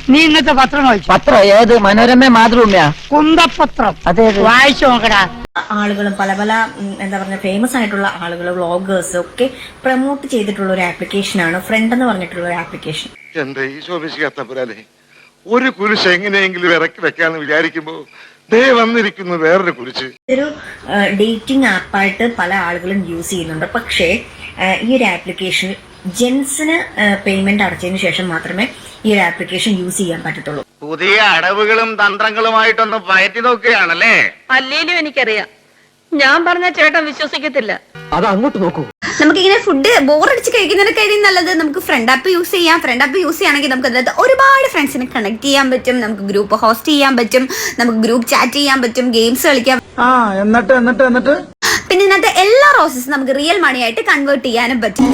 നീ ഇന്നത്തെ പത്രം വായിച്ചു? പത്രം ഏത്? മനോരമ, മാതൃഭൂമിയാ? കുന്തപത്രം. അതെ, വായിച്ചു നോക്കടാ. ആളുകളും പല പല എന്താ പറയുക ഫേമസ് ആയിട്ടുള്ള ആളുകൾ വ്ളോഗേഴ്സ് ഒക്കെ പ്രൊമോട്ട് ചെയ്തിട്ടുള്ള ഒരു ആപ്ലിക്കേഷനാണ് ഫ്രണ്ട് എന്ന് പറഞ്ഞിട്ടുള്ള ഒരു ആപ്ലിക്കേഷൻ. എന്റെ ഈശോമിശിക്കാത്തപ്പുരാനെ ഒരു കുരിശ് എങ്ങനെയെങ്കിലും ഇറക്കി വെക്കാന്ന് വിചാരിക്കുമ്പോ ദേ വന്നിരിക്കുന്നു വേറൊരു കുരിശ്. ഇതൊരു ഡേറ്റിംഗ് ആപ്പായിട്ട് പല ആളുകളും യൂസ് ചെയ്യുന്നുണ്ട്. പക്ഷേ ഈ ഒരു ആപ്ലിക്കേഷനിൽ ജെൻസിന് പേയ്മെന്റ് അടച്ചതിന് ശേഷം മാത്രമേ ഈ ഒരു ആപ്ലിക്കേഷൻ യൂസ് ചെയ്യാൻ പറ്റത്തുള്ളൂ. പുതിയ അടവുകളും തന്ത്രങ്ങളുമായിട്ടൊന്ന് പയറ്റി നോക്കുകയാണല്ലേ? അല്ലേലും എനിക്കറിയാം, ഞാൻ പറഞ്ഞ ചേട്ടൻ വിശ്വസിക്കത്തില്ല. അത് അങ്ങോട്ട് നോക്കൂ. നമുക്കിങ്ങനെ ഫുഡ് ബോറടിച്ച് കഴിക്കുന്നതിനൊക്കെ നല്ലത് നമുക്ക് ഫ്രണ്ട് ആപ്പ് യൂസ് ചെയ്യാം. ഫ്രണ്ട് ആപ്പ് യൂസ് ചെയ്യുകയാണെങ്കിൽ നമുക്ക് അതിനകത്ത് ഒരുപാട് ഫ്രണ്ട്സിനെ കണക്ട് ചെയ്യാൻ പറ്റും, നമുക്ക് ഗ്രൂപ്പ് ഹോസ്റ്റ് ചെയ്യാൻ പറ്റും, നമുക്ക് ഗ്രൂപ്പ് ചാറ്റ് ചെയ്യാൻ പറ്റും, ഗെയിംസ് കളിക്കാം. എന്നിട്ട് പിന്നെ ഇതിനകത്ത് എല്ലാ റോസസും നമുക്ക് റിയൽ മണി ആയിട്ട് കൺവേർട്ട് ചെയ്യാനും പറ്റും.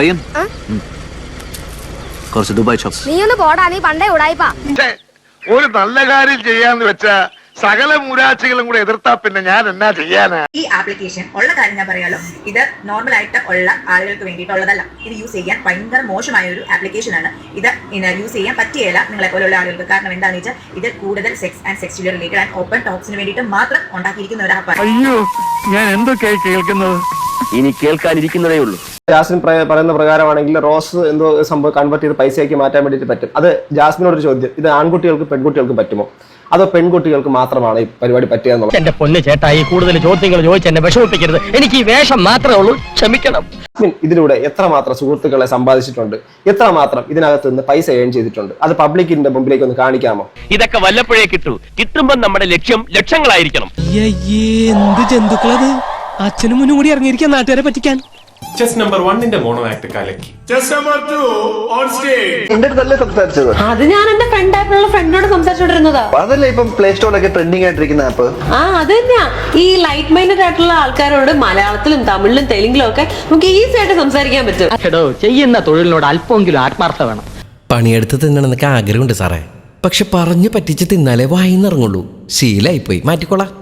നീ ഒന്ന് പോടാ, നീ പണ്ടേ ഉടായിപ്പാ. ഒരു നല്ല കാര്യം ചെയ്യാന്ന് വെച്ചാ സകല മൂരാച്ചികളും കൂടെ എതിർത്താ പിന്നെ ഞാൻ എന്നാ ചെയ്യാനാ? ഈ ആപ്ലിക്കേഷൻ ഉള്ള കാര്യം ഞാൻ പറയാലോ, ഇത് നോർമൽ ആയിട്ട് ഉള്ള ആളുകൾക്ക് വേണ്ടിയിട്ടുള്ളതല്ല. ഇത് യൂസ് ചെയ്യാൻ ഭയങ്കര മോശമായ ഒരു ആപ്ലിക്കേഷൻ ആണ്. ഇത് യൂസ് ചെയ്യാൻ പറ്റിയല്ല നിങ്ങളെ പോലുള്ള ആളുകൾക്ക്. കാരണം എന്താണെന്ന് വെച്ചാൽ ഇത് കൂടുതൽ sex and sexually related and open ടോക്സിന് വേണ്ടിയിട്ട് മാത്രം ഉണ്ടാക്കിയിരിക്കുന്ന ഒരു ആപ്പാണ്. അയ്യോ, ഞാൻ എന്തൊക്കെയായി കേൾക്കുന്നത്? ഇനി കേൾക്കാനിരിക്കുന്നതേ ഉള്ളൂ. ജാസ്മിൻ പറയുന്ന പ്രകാരമാണെങ്കിൽ റോസ് എന്തോ സംഭവം കൺവേർട്ട് ചെയ്ത് പൈസയാക്കി മാറ്റാൻ വേണ്ടിയിട്ട് പറ്റും. അത് ജാസ്മിനോടൊരു ചോദ്യം, ഇത് ആൺകുട്ടികൾക്ക് പെൺകുട്ടികൾക്ക് പറ്റുമോ, അതോ പെൺകുട്ടികൾക്ക് മാത്രമാണ് ഈ പരിപാടി പറ്റുക എന്നുള്ളത്? എന്റെ പൊന്ന് ചേട്ടായി, കൂടുതൽ ചോദ്യങ്ങൾ ചോദിച്ച് എന്നെ വിഷമിപ്പിക്കരുത്. എനിക്ക് ഈ വേഷം മാത്രമേ ഉള്ളൂ, ക്ഷമിക്കണം. ഇതിലൂടെ എത്രമാത്രം സുഹൃത്തുക്കളെ സമ്പാദിച്ചിട്ടുണ്ട്, എത്രമാത്രം ഇതിനകത്ത് നിന്ന് പൈസ ഏൺ ചെയ്തിട്ടുണ്ട്, അത് പബ്ലിക്കിന്റെ മുമ്പിലേക്ക് ഒന്ന് കാണിക്കാമോ? ഇതൊക്കെ വല്ലപ്പോഴേ കിട്ടൂ. കിട്ടുമ്പോൾ നമ്മുടെ ലക്ഷ്യം ലക്ഷങ്ങളായിരിക്കണം. എന്ത് ജന്തുക്കളത്! അച്ഛനും മുന്നും കൂടി ഇറങ്ങിയിരിക്കാൻ നാട്ടുകാരെ പറ്റിക്കാൻ. ചെസ് നമ്പർ 1 മോണോ ആക്ട് കലക്കി. Chess number 2 on stage. എന്റെ അടുത്തല്ലേ സംസാരിച്ചത്? അത് ഞാൻ എന്റെ ഫ്രണ്ട് ആപ്പിലുള്ള ഫ്രണ്ടിനോട് സംസാരിച്ചോണ്ടിരുന്നതാ. അതല്ലേ ഇപ്പം പ്ലേ സ്റ്റോറിലൊക്കെ ട്രെൻഡിങ് ആയിട്ടിരിക്കുന്ന ആപ്പ്. അത് തന്നെയാ. ഈ ലൈറ്റ് മൈൻഡഡ് ആയിട്ടുള്ള ആൾക്കാരോട് മലയാളത്തിലും തമിഴിലും തെലുങ്കിലും ഒക്കെ നമുക്ക് ഈസി ആയിട്ട് സംസാരിക്കാൻ പറ്റും. എടോ, ചെയ്യുന്ന തൊഴിലിനോട് അല്പമെങ്കിലും ആത്മാർത്ഥത വേണം. പണിയെടുത്ത് തിന്നണമെന്നൊക്കെ ആഗ്രഹമുണ്ട് സാറേ, പക്ഷെ പറഞ്ഞു പറ്റിച്ച് തിന്നാലേ വായിന്നിറങ്ങുള്ളൂ. ശീലായിപ്പോയി, മാറ്റിക്കോളാം.